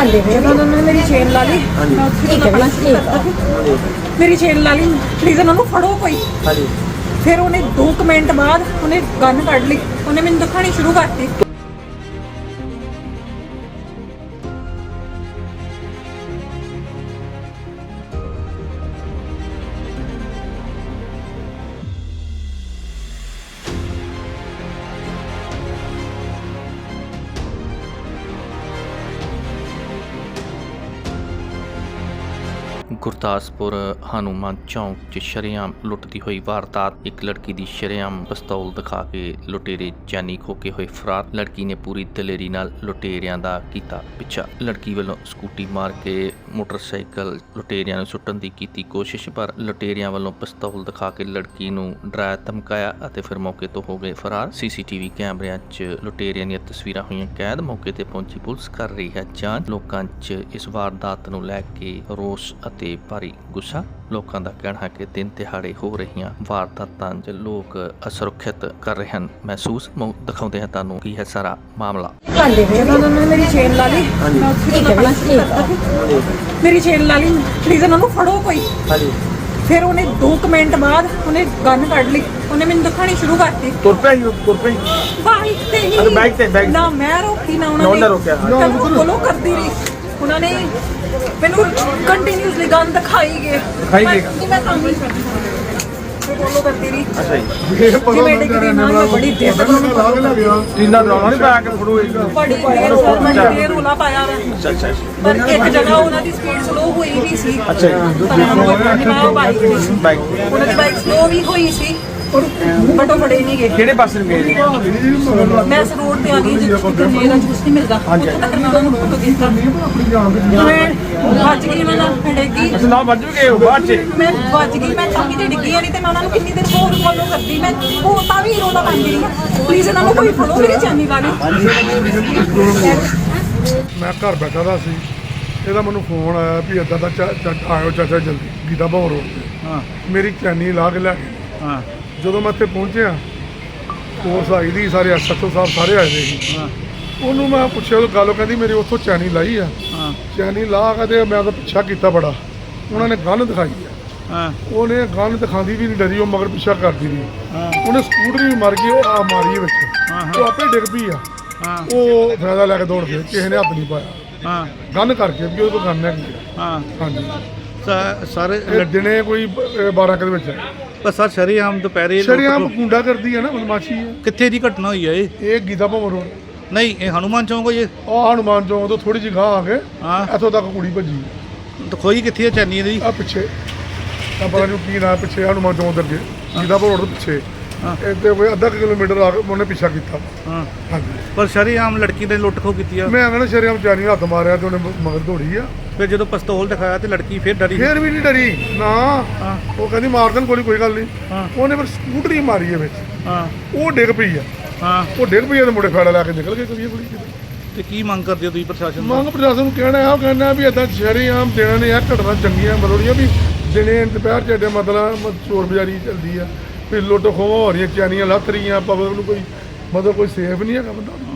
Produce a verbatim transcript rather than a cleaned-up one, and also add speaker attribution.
Speaker 1: उन्होंने मेरी चेन ला ली, मेरी चेन ला ली, प्लीज उन्होंने फड़ो कोई। फिर उन्हें दो मिनट बाद उन्हें गन कढ़ ली, उन्हें मैंने दिखानी शुरू करती।
Speaker 2: ਗੁਰਦਾਸਪੁਰ ਹਨੂੰਮਾਨ ਚੌਂਕ 'ਚ ਸ਼ਰੇਆਮ ਲੁੱਟਦੀ ਹੋਈ ਵਾਰਦਾਤ। ਇੱਕ ਲੜਕੀ ਦੀ ਸ਼ਰੇਆਮ ਪਿਸਤੌਲ ਦਿਖਾ ਕੇ ਲੁਟੇਰੇ ਜਾਨੀ ਖੋ ਕੇ ਹੋਏ ਫਰਾਰ। ਲੜਕੀ ਨੇ ਪੂਰੀ ਦਲੇਰੀ ਨਾਲ ਲੁਟੇਰਿਆਂ ਦਾ ਕੀਤਾ ਪਿੱਛਾ। ਲੜਕੀ ਵੱਲੋਂ ਸਕੂਟੀ ਮਾਰ ਕੇ ਮੋਟਰਸਾਈਕਲ ਲੁਟੇਰਿਆਂ ਨੂੰ ਸੁੱਟਣ ਦੀ ਕੀਤੀ ਕੋਸ਼ਿਸ਼, ਪਰ ਲੁਟੇਰਿਆਂ ਵੱਲੋਂ ਪਿਸਤੌਲ ਦਿਖਾ ਕੇ ਲੜਕੀ ਨੂੰ ਡਰਾਇਆ ਧਮਕਾਇਆ ਅਤੇ ਫਿਰ ਮੌਕੇ ਤੋਂ ਹੋ ਗਏ ਫਰਾਰ। ਸੀਸੀਟੀਵੀ ਕੈਮਰਿਆਂ 'ਚ ਲੁਟੇਰਿਆਂ ਦੀਆਂ ਤਸਵੀਰਾਂ ਹੋਈਆਂ ਕੈਦ। ਮੌਕੇ ਤੇ ਪਹੁੰਚੀ ਪੁਲਿਸ ਕਰ ਰਹੀ ਹੈ ਜਾਂਚ। ਲੋਕਾਂ 'ਚ ਇਸ ਵਾਰਦਾਤ ਨੂੰ ਲੈ ਕੇ ਰੋਸ ਅਤੇ ਭਾਰੀ ਗੁੱਸਾ। ਲੋਕਾਂ ਦਾ ਕਹਿਣਾ ਹੈ ਕਿ ਦਿਨ ਦਿਹਾੜੇ ਹੋ ਰਹੀਆਂ ਵਾਰਦਾਤਾਂ 'ਚ ਲੋਕ ਅਸੁਰੱਖਿਅਤ ਕਰ ਰਹੇ ਹਨ ਮਹਿਸੂਸ। ਦਿਖਾਉਂਦੇ ਹਾਂ ਤੁਹਾਨੂੰ ਕੀ ਹੈ ਸਾਰਾ ਮਾਮਲਾ।
Speaker 1: उन्होंने मेरी चेन ला ली, मेरी चेन ला ली, प्लीज उन्होंने फड़ो कोई। फिर उन्हें दो मिनट बाद उन्हें गन कढ़ ली, उन्हें मैंने दिखानी शुरू करती।
Speaker 3: तुर पे ही तुर पे ही
Speaker 1: बाइक ते ही
Speaker 3: अच्छा बाइक ते बाइक
Speaker 1: ना मैं रोकी ना
Speaker 3: ना
Speaker 1: उन्होंने
Speaker 3: रोका।
Speaker 1: मैं फॉलो करती रही। उन्होंने मैंने कंटिन्यूअसली गन दिखाई गए
Speaker 3: दिखाई गए।
Speaker 1: मैं मैं काम नहीं करती, फॉलो करती रही।
Speaker 3: अच्छा जी
Speaker 1: जी मैं डिग्री ना मैं बड़ी देर तक
Speaker 3: जिंदा ड्रामा नहीं पाया कि फड़ो
Speaker 1: बड़ी देर और मैं देर रोला पाया मैं।
Speaker 3: अच्छा अच्छा
Speaker 1: पर एक जगह ਉਹਨਾਂ ਦੀ ਸਪੀਡ ਸਲੋ ਹੋਈ ਵੀ ਸੀ।
Speaker 3: ਅੱਛਾ ਜੀ।
Speaker 1: ਪਰ ਉਹ ਬਾਈਕ
Speaker 3: ਬਾਈਕ
Speaker 1: ਉਹਨਾਂ ਦੀ ਬਾਈਕ ਸਲੋ ਵੀ ਹੋਈ ਸੀ, ਬਟ ਉਹ ਫੜੇ ਨਹੀਂ ਗਏ।
Speaker 3: ਕਿਹੜੇ ਪਾਸੇ ਨੂੰ ਗਏ ਜੀ?
Speaker 1: ਮੈਂ ਇਸ ਰੋਡ ਤੇ ਆ ਗਈ ਜਿੱਥੇ ਮੇਰਾ ਜੂਸ ਨਹੀਂ ਮਿਲਦਾ, ਉੱਥੇ ਤੱਕ ਮੈਂ ਦੋਨੋਂ ਫੋਟੋ ਕੀਤਾ। ਮੈਂ ਵੱਜ ਗਈ, ਮੈਂ ਨਾ ਡਿੱਗੀ।
Speaker 3: ਅੱਛਾ ਨਾ ਵੱਜ ਗਏ ਹੋ ਬਾਅਦ ਚ?
Speaker 1: ਮੈਂ ਵੱਜ ਗਈ, ਮੈਂ ਚੌਕੀ ਤੇ ਡਿੱਗੀ ਨਹੀਂ ਤੇ ਮੈਂ ਉਹਨਾਂ ਨੂੰ ਕਿੰਨੀ ਦੇਰ ਹੋਰ ਫੋਲੋ ਕਰਦੀ। ਮੈਂ ਉਹ ਤਾਂ ਵੀ ਰੋਲਾ ਪਾਉਂਦੀ ਰਹੀ, ਪਲੀਜ਼ ਇਹਨਾਂ ਨੂੰ ਕੋਈ ਫੜੋ, ਮੇਰੀ ਜਾਨੀ ਵਾਲੀ।
Speaker 4: ਮੈਂ ਘਰ ਬੈਠਾ ਦਾ ਸੀ, ਇਹਦਾ ਮੈਨੂੰ ਫੋਨ ਆਇਆ ਵੀ ਇੱਦਾਂ ਦਾ ਆਇਓ ਚਾਚਾ ਜਲਦੀ ਗੀਤਾ ਭਵਨ ਰੋਡ ਤੇ।
Speaker 3: ਹਾਂ
Speaker 4: ਮੇਰੀ ਚੈਨੀ ਲਾ ਕੇ ਲੈ ਗਏ।
Speaker 3: ਹਾਂ
Speaker 4: ਜਦੋਂ ਮੈਂ ਇੱਥੇ ਪਹੁੰਚਿਆ, ਪੁਲਿਸ ਆਈ ਦੀ, ਸਾਰੇ ਐਸ ਐਚ ਓ ਸਾਹਿਬ ਸਾਰੇ ਆਏ ਦੇ ਸੀ।
Speaker 3: ਹਾਂ
Speaker 4: ਉਹਨੂੰ ਮੈਂ ਪੁੱਛਿਆ ਉਹ ਗੱਲ, ਕਹਿੰਦੀ ਮੇਰੀ ਉੱਥੋਂ ਚੈਨੀ ਲਾਈ ਆ।
Speaker 3: ਹਾਂ
Speaker 4: ਚੈਨੀ ਲਾ ਕੇ ਤੇ ਮੈਂ ਤਾਂ ਪਿੱਛਾ ਕੀਤਾ ਬੜਾ, ਉਹਨਾਂ ਨੇ ਗਨ ਦਿਖਾਈ ਆ।
Speaker 3: ਹਾਂ
Speaker 4: ਉਹਨੇ ਗਨ ਦਿਖਾਉਂਦੀ ਵੀ ਨਹੀਂ ਡਰੀ, ਉਹ ਮਗਰ ਪਿੱਛਾ ਕਰਦੀ ਰਹੀ।
Speaker 3: ਹਾਂ
Speaker 4: ਉਹਨੇ ਸਕੂਟਰ ਵੀ ਮਾਰ ਗਈ, ਉਹ ਆ ਮਾਰੀ ਵਿੱਚ,
Speaker 3: ਹਾਂ
Speaker 4: ਉਹ ਆਪੇ ਡਿੱਗ ਪਈ ਆ।
Speaker 3: ਹਾਂ
Speaker 4: ਉਹ ਫਾਇਦਾ ਲੈ ਕੇ ਦੌੜ ਗਏ, ਕਿਸੇ ਨੇ ਹੱਥ ਨਹੀਂ ਪਾਇਆ।
Speaker 3: ਹਾਂ
Speaker 4: ਗਨ ਕਰਕੇ ਵੀ ਉਹਦੇ ਕੋਲ ਗਨ ਹੈਗੀ ਆ।
Speaker 3: ਹਾਂ
Speaker 4: ਹਾਂਜੀ
Speaker 3: ਸਾਰੇ
Speaker 4: ਇਹ ਦਿਨੇ ਕੋਈ ਬਾਰਾਂ ਕੁ ਦੇ ਵਿੱਚ
Speaker 3: ਪਰ ਸਰ ਸ਼ਰੇਆਮ ਦੁਪਹਿਰੇ
Speaker 4: ਸ਼ਰੇਆਮ ਗੁੰਡਾ ਕਰਦੀ ਹੈ ਨਾ, ਬਦਮਾਸ਼ੀ ਹੈ।
Speaker 3: ਕਿੱਥੇ ਦੀ ਘਟਨਾ ਹੋਈ ਹੈ ਇਹ?
Speaker 4: ਇਹ ਗੀਤਾ ਭਵਨ ਰੋਡ
Speaker 3: ਨਹੀਂ ਇਹ ਹਨੂੰਮਾਨ ਚੌਂਕ ਹੋਈ ਹੈ।
Speaker 4: ਆਹ ਹਨੂੰਮਾਨ ਚੌਂਕ ਤੋਂ ਥੋੜੀ ਜਿਹੀ ਗਾਂਹ ਆ ਕੇ
Speaker 3: ਹਾਂ
Speaker 4: ਇੱਥੋਂ ਤੱਕ ਕੁੜੀ ਭੱਜੀ
Speaker 3: ਖੋਈ ਕਿੱਥੇ ਹੈ ਚੈਨੀ ਦੀ?
Speaker 4: ਆ ਪਿੱਛੇ ਤਾਂ ਪਤਾ ਨਹੀਂ ਕੀ ਨਾ ਪਿੱਛੇ ਹਨੂੰਮਾਨ ਚੌਂਕ ਦੇ ਅੱਗੇ ਗੀਤਾ ਭਵਨ ਰੋਡ ਦੇ ਪਿੱਛੇ
Speaker 3: ਹਾਂ
Speaker 4: ਇੱਥੇ ਕੋਈ ਅੱਧਾ ਕੁ ਕਿਲੋਮੀਟਰ ਆ ਕੇ ਉਹਨੇ ਪਿੱਛਾ ਕੀਤਾ।
Speaker 3: ਹਾਂ
Speaker 4: ਹਾਂਜੀ
Speaker 3: ਪਰ ਸ਼ਰੇਆਮ ਲੜਕੀ ਨੇ ਲੁੱਟ ਖੋ ਕੀਤੀ ਆ।
Speaker 4: ਮੈਂ ਕਹਿੰਦਾ ਸ਼ਰੇਆਮ ਚਾਰੀ ਹੱਥ ਮਾਰਿਆ ਤੇ ਉਹਨੇ ਮਗਰ ਦੌੜੀ ਆ।
Speaker 3: ਫਿਰ ਜਦੋਂ ਪਿਸਤੌਲ ਦਿਖਾਇਆ ਤੇ ਲੜਕੀ ਫਿਰ ਡਰੀ।
Speaker 4: ਫੇਰ ਵੀ ਨਹੀਂ ਡਰੀ ਨਾ,
Speaker 3: ਹਾਂ
Speaker 4: ਉਹ ਕਹਿੰਦੀ ਮਾਰ ਦੇਣ ਗੋਲੀ, ਕੋਈ ਗੱਲ ਨਹੀਂ।
Speaker 3: ਹਾਂ
Speaker 4: ਉਹਨੇ ਫਿਰ ਸਕੂਟਰੀ ਮਾਰੀ ਹੈ ਵਿੱਚ,
Speaker 3: ਹਾਂ
Speaker 4: ਉਹ ਡਿੱਗ ਪਈ ਆ।
Speaker 3: ਹਾਂ
Speaker 4: ਉਹ ਡਿੱਗ ਪਈ ਆ ਤੇ ਮੁੰਡੇ ਫਾੜਾ ਲੈ ਕੇ ਨਿਕਲ ਗਏ ਕੁੜੀ ਕੁੜੀ
Speaker 3: ਤੇ ਕੀ ਮੰਗ ਕਰਦੇ ਹੋ ਤੁਸੀਂ ਪ੍ਰਸ਼ਾਸਨ ਤੋਂ?
Speaker 4: ਮੰਗ ਪ੍ਰਸ਼ਾਸਨ ਨੂੰ ਕਹਿਣਾ ਹੈ, ਉਹ ਕਹਿੰਦਾ ਵੀ ਇੱਦਾਂ ਸ਼ਰੇਆਮ ਦੇਣਾ ਨੇ ਆ ਘਟਨਾ ਚੰਗੀਆਂ ਮਤਲਬ ਵੀ ਦਿਨੇ ਦੁਪਹਿਰ ਚ ਏਡੇ ਮਤਲਬ ਚੋਰ ਬਜ਼ਾਰੀ ਚੱਲਦੀ ਆ, ਵੀ ਲੁੱਟ ਖੋਹ ਹੋ ਰਹੀਆਂ, ਚੈਨੀਆਂ ਲੱਥ ਰਹੀਆਂ, ਪਬਲਿਕ ਨੂੰ ਕੋਈ ਮਤਲਬ ਕੋਈ ਸੇਫ ਨਹੀਂ ਹੈਗਾ ਬੰਦਾ।